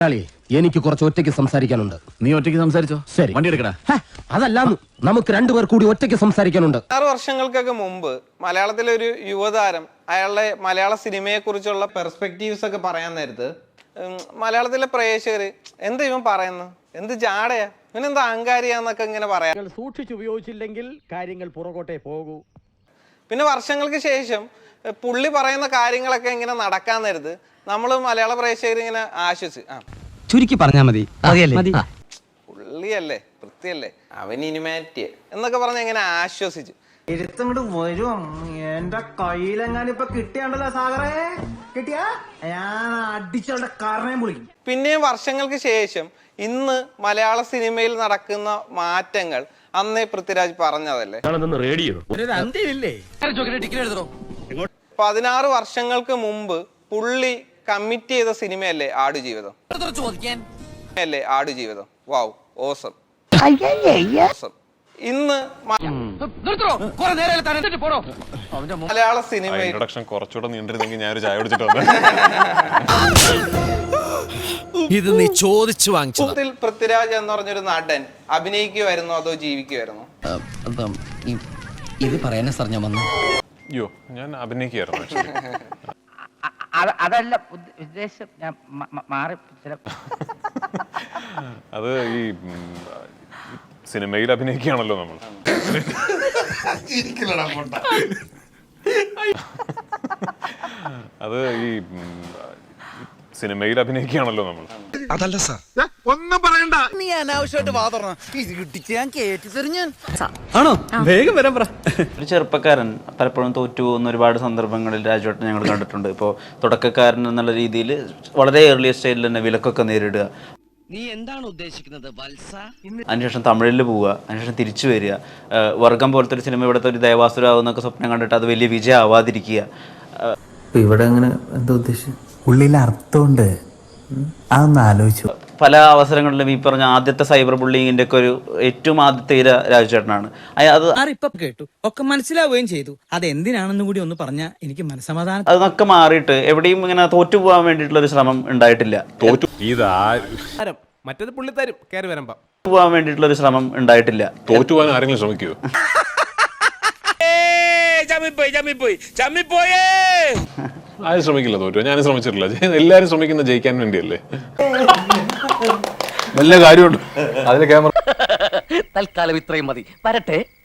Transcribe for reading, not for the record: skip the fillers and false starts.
എനിക്ക് കുറച്ച് ഒറ്റയ്ക്ക് സംസാരിക്കാനുണ്ട്. നീ ഒറ്റയ്ക്ക് സംസാരിച്ചോ? ശരി, വണ്ടി എടുക്കടാ. അതല്ല, നമുക്ക് രണ്ടുപേർ കൂടി ഒറ്റയ്ക്ക് സംസാരിക്കാനുണ്ട്. 6 വർഷങ്ങൾക്കൊക്കെ മുമ്പ് മലയാളത്തിലെ ഒരു യുവതാരം അയാളുടെ മലയാള സിനിമയെ കുറിച്ചുള്ള പെർസ്പെക്റ്റീവ്സ് ഒക്കെ പറയാൻ നേരത്ത് മലയാളത്തിലെ പ്രേക്ഷകര് എന്ത് ഇവൻ പറയുന്നു, എന്ത് ജാടയാ, ഇവനെന്താ അഹങ്കാരിയാന്നൊക്കെ ഇങ്ങനെ പറയാം. സൂക്ഷിച്ചുപയോഗിച്ചില്ലെങ്കിൽ കാര്യങ്ങൾ പുറകോട്ടേ പോകൂ. പിന്നെ വർഷങ്ങൾക്ക് ശേഷം പുള്ളി പറയുന്ന കാര്യങ്ങളൊക്കെ ഇങ്ങനെ നടക്കാൻ നേരത്ത് നമ്മള് മലയാള പ്രേക്ഷകർ ഇങ്ങനെ ആശ്വസിച്ച് ചുരുക്കി പറഞ്ഞാൽ മതി. പുള്ളിയല്ലേ, വൃത്തിയല്ലേ, അവൻ ഇനിമാറ്റിയെ എന്നൊക്കെ പറഞ്ഞ് ഇങ്ങനെ ആശ്വസിച്ചു. എഴുത്തങ്ങോട്ട് വരും. എന്റെ കയ്യിലെങ്ങാനും ഇപ്പൊ കിട്ടിയാണ്ടല്ലോ സാഗറേ, കിട്ടിയാ ഞാൻ അടിച്ചവളുടെ കാരണയും വിളിക്കും. പിന്നെയും വർഷങ്ങൾക്ക് ശേഷം ഇന്ന് മലയാള സിനിമയിൽ നടക്കുന്ന മാറ്റങ്ങൾ അന്നേ പൃഥ്വിരാജ് പറഞ്ഞതല്ലേ. 16 വർഷങ്ങൾക്ക് മുമ്പ് പുള്ളി കമ്മിറ്റ് ചെയ്ത സിനിമയല്ലേ ആടുജീവിതം. Aadujeevitham wow, awesome. ഇന്ന് മലയാള സിനിമയിൽ കുറച്ചുകൂടെ നീണ്ടിരുന്നെങ്കിൽ ഞാനൊരു ചായ കുടിച്ചിട്ട് വന്നു. ഇത് നീ ചോദിച്ചു വാങ്ങിച്ചു. പൃഥ്വിരാജ് എന്ന് പറഞ്ഞൊരു നടൻ അഭിനയിക്കുമായിരുന്നോ അതോ ജീവിക്കുമായിരുന്നോ? ഇത് പറയാനാ സാർ ഞാൻ വന്നു. അയ്യോ, ഞാൻ അഭിനയിക്കുമായിരുന്നു. അതല്ല ഉദ്ദേശം, ഞാൻ മാറി. അത് ഈ സിനിമയിൽ അഭിനയിക്കുകയാണല്ലോ നമ്മൾ. അത് ഈ സിനിമയിൽ അഭിനയിക്കുകയാണല്ലോ നമ്മൾ. അതല്ല സാർ, ഒന്നും പറയണ്ട. നീ അനാവശ്യമായിട്ട് വാതറണം. ഇത് കിട്ടിച്ച് ഞാൻ കേട്ടി തെറിഞ്ഞാൻ. ആണോ? വേഗം വരാൻ പറ. ഒരു ചെറുപ്പക്കാരൻ പലപ്പോഴും തോറ്റു പോകുന്ന ഒരുപാട് സന്ദർഭങ്ങളിൽ രാജുവേട്ടൻ ഞങ്ങൾ കണ്ടിട്ടുണ്ട്. ഇപ്പോൾ തുടക്കക്കാരൻ എന്നുള്ള രീതിയിൽ വളരെ ഏർലിയ സ്റ്റേജിൽ തന്നെ വിലക്കൊക്കെ നേരിടുക. നീ എന്താണ് ഉദ്ദേശിക്കുന്നത് വത്സ? അതിനുശേഷം തമിഴിൽ പോവുക, അതിനുശേഷം തിരിച്ചു വരിക. വർഗം പോലത്തെ ഒരു സിനിമ ഇവിടുത്തെ ഒരു ദേവാസുരാവുന്നൊക്കെ സ്വപ്നം കണ്ടിട്ട് അത് വലിയ വിജയം ആവാതിരിക്കുക. ഇവിടെ അങ്ങനെ എന്താ ഉദ്ദേശിച്ചത്? ഉള്ളിൽ അർത്ഥമുണ്ട്, അതൊന്ന് ആലോചിച്ചു. പല അവസരങ്ങളിലും ഈ പറഞ്ഞ ആദ്യത്തെ സൈബർ ബുള്ളിങ്ങിന്റെ ഒക്കെ ഒരു ഏറ്റവും ആദ്യത്തെ ഇര രാജുചേട്ടനാണ്. അത് ഇപ്പൊ കേട്ടു, ഒക്കെ മനസ്സിലാവുകയും ചെയ്തു. അത് എന്തിനാണെന്ന് കൂടി ഒന്ന് പറഞ്ഞാ എനിക്ക് മനസ്സമാധാനം. അതൊക്കെ മാറിയിട്ട് എവിടെയും ഇങ്ങനെ തോറ്റു പോകാൻ വേണ്ടിയിട്ടുള്ള ഒരു ശ്രമം ഉണ്ടായിട്ടില്ല. മറ്റേത് പുള്ളി തരും കയറി വരുമ്പോ. പോകാൻ വേണ്ടിയിട്ടുള്ള ഒരു ശ്രമം ഉണ്ടായിട്ടില്ല. തോറ്റുപോകാൻ ആരെങ്കിലും ശ്രമിക്കുമോ? ആരും ശ്രമിക്കില്ല തോറ്റു. ഞാനും ശ്രമിച്ചിട്ടില്ല. എല്ലാരും ശ്രമിക്കുന്ന ജയിക്കാൻ വേണ്ടിയല്ലേ. നല്ല കാര്യമുണ്ട് അതിലെ ക്യാമറ. തൽക്കാലം ഇത്രയും മതി. വരട്ടെ.